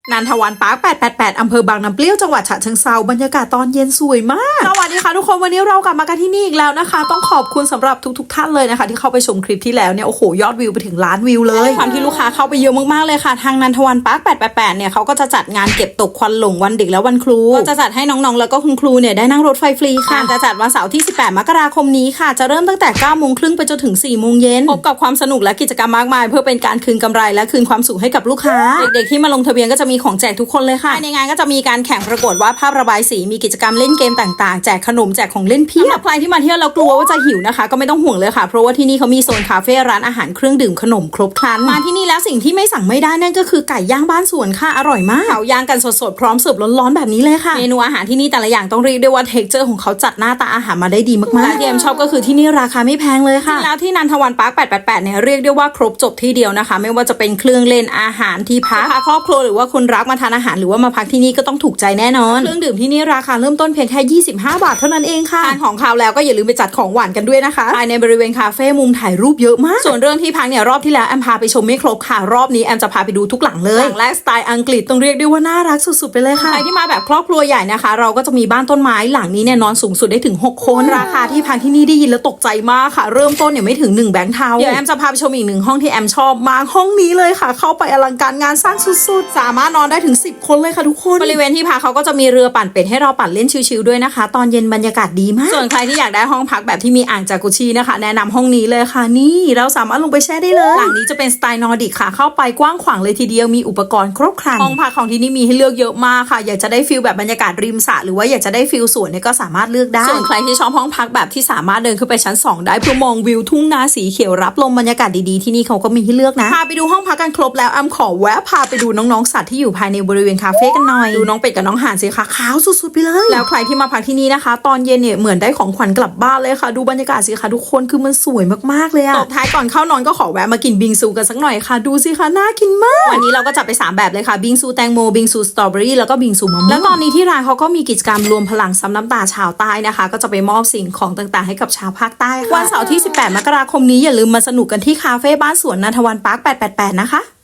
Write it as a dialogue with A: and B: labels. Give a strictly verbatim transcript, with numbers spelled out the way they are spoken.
A: นันทวันปาร์คแปดแปดแปดอำเภอบางน้ำเปรี้ยวจังหวัดฉะเชิงเทราบรรยากาศตอนเย็นสวยมากสวัสดีค่ะทุกคนวันนี้เรากลับมากันที่นี่อีกแล้วนะคะต้องขอบคุณสำหรับทุกๆท่านเลยนะคะที่เข้าไปชมคลิปที่แล้วเนี่ยโอ้โหยอดวิวไปถึงล้านวิวเลยความที่ลูกค้าเข้าไปเยอะมากๆเลยค่ะทางนันทวันปาร์คแปดแปดแปดเนี่ยเขาก็จะจัดงานเก็บตกควันหลงวันเด็กและวันครูก็จะจัดให้น้องๆแล้วก็คุณครูเนี่ยได้นั่งรถไฟฟรีค่ะจะจัดวันเสาร์ที่สิบแปดมกราคมนี้ค่ะจะเริ่มตั้งแต่เก้าโมงครึ่งไปจนถึงสี่โมงเย็นพบกับความสนุกและกิจกรรมมากมายเพื่อเป็นการคืนกำไรและคืนความสุขให้กับลูกค้าเด็กๆที่มาลงทะเบียนก็จะมีของแจกทุกคนเลยค่ะในงานก็จะมีการแข่งประกวดวาดภาพระบายสีมีกิจกรรมเล่นเกมต่างๆแจกขนมแจกของเล่นเพียบใครที่มาเที่ยวแล้วกลัวว่าจะหิวนะคะก็ไม่ต้องห่วงเลยค่ะเพราะว่าที่นี่เขามีโซนคาเฟ่ร้านอาหารเครื่องดื่มขนมครบครันมาที่นี่แล้วสิ่งที่ไม่สั่งไม่ได้นั่นก็คือไก่ย่างบ้านสวนค่ะอร่อยมากเขาย่างกันสดๆพร้อมเสิร์ฟร้อนๆแบบนี้เลยค่ะเมนูอาหารที่นี่แต่ละอย่างต้องเรียกได้ว่าเท็กเจอร์ของเขาจัดหน้าตาอาหารมาได้ดีมากๆที่เอ็มชอบก็คือที่นี่ราคาไม่แพงเลยค่ะแล้วที่นันทวันปาร์คแปดแปดแปดเนี่ยเรียกได้ว่าครบจบที่เดียวนะคะไม่ว่าจะเป็นเครื่องเล่นอาหารที่พักพาครอบครัวหรือว่าคนรักมาทานอาหารหรือว่ามาพักที่นี่ก็ต้องถูกใจแน่นอนเครื่องดื่มที่นี่ราคาเริ่มต้นเพียงแค่ยี่สิบห้าบาทเท่านั้นเองค่ะทานของคาวแล้วก็อย่าลืมไปจัดของหวานกันด้วยนะคะภายในบริเวณคาเฟ่มุมถ่ายรูปเยอะมากส่วนเรื่องที่พักเนี่ยรอบที่แล้วแอมพาไปชมไม่ครบค่ะรอบนี้แอมจะพาไปดูทุกหลังเลยหลังแรกสไตล์อังกฤษต้องเรียกได้ว่าน่ารักสุดๆไปเลยค่ะใครที่มาแบบครอบครัวใหญ่นะคะเราก็จะมีบ้านต้นไม้หลังนี้เนี่ยนอนสูงสุดได้ถึงหกคนราคาที่พักที่นี่ได้ยินแล้วตกใจมากค่ะเริ่มต้นเนี่ยไม่ถึงหนึ่งแบงค์เทาเดี๋ยวแอมจะพาไปชมอีกหนึ่งห้องที่แอมชอบมากห้องนี้เลยค่ะเข้าไปอลังการงานสร้างสุดๆสามารถนอนได้ถึงสิบคนเลยค่ะทุกคนบริเวณที่พักเขาก็จะมีเรือปั่นเป็ดให้เราปั่นเล่นชิลๆด้วยนะคะตอนเย็นบรรยากาศดีมากส่วนใครที่อยากได้ห้องพักแบบที่มีอ่างจากุชินะคะแนะนำห้องนี้เลยค่ะนี่เราสามารถลงไปแช่ได้เลยหลังนี้จะเป็นสไตล์นอร์ดิกค่ะเข้าไปกว้างขวางเลยทีเดียวมีอุปกรณ์ครบครันห้องพักของที่นี่มีให้เลือกเยอะมากค่ะอยากจะได้ฟิลแบบบรรยากาศริมสระหรือว่าอยากจะได้ฟิลสวนเนี่ยก็สามารถเลือกได้ส่วนใครที่ชอบห้องพักแบบที่สามารถเดินขึ้นไปชั้นสองได้เพื่อมองวิวทุ่งนาสีเขียวรับลมบรรยากาศดีๆที่นี่เขาก็มีให้เลือกนะพาไปดูห้องพักกันครบแล้วแอมขอแวะพาไปดูน้องๆสัตว์ที่อยู่ภายในบริเวณคาเฟ่กันหน่อยดูน้องเป็ดกับน้องห่านสิคะขาวสุดๆไปเลยแล้วใครที่มาพักที่นี่นะคะตอนเย็นเนี่ยเหมือนได้ของขวัญกลับบ้านเลยค่ะดูบรรยากาศสิคะทุกคนคือมันสวยมากๆเลยอะตบท้ายก่อนเข้านอนก็ขอแวะมากินบิงซูกันสักหน่อยค่ะดูสิคะน่ากินมากวันนี้เราก็จัดไปสามแบบเลยค่ะบิงซูแตงโมบิงซูสตรอเบอรี่แล้วก็บิงซูมะม่วงแล้วตอนนี้ที่ร้านเขาก็มีกิจกรรมรวมพลังซ้ำน้ำตาชาวใต้นะคะก็จะไปมอบสิ่งของต่างๆให้กับชาวภาคใต้ค่ะวันเสาร์ที่สิบแปดมกราคมนี้อย่าลืมมาสนุกกันที่คาเฟ่บ้านสวนนันทวันปาร์คแปดแปดแปดนะคะ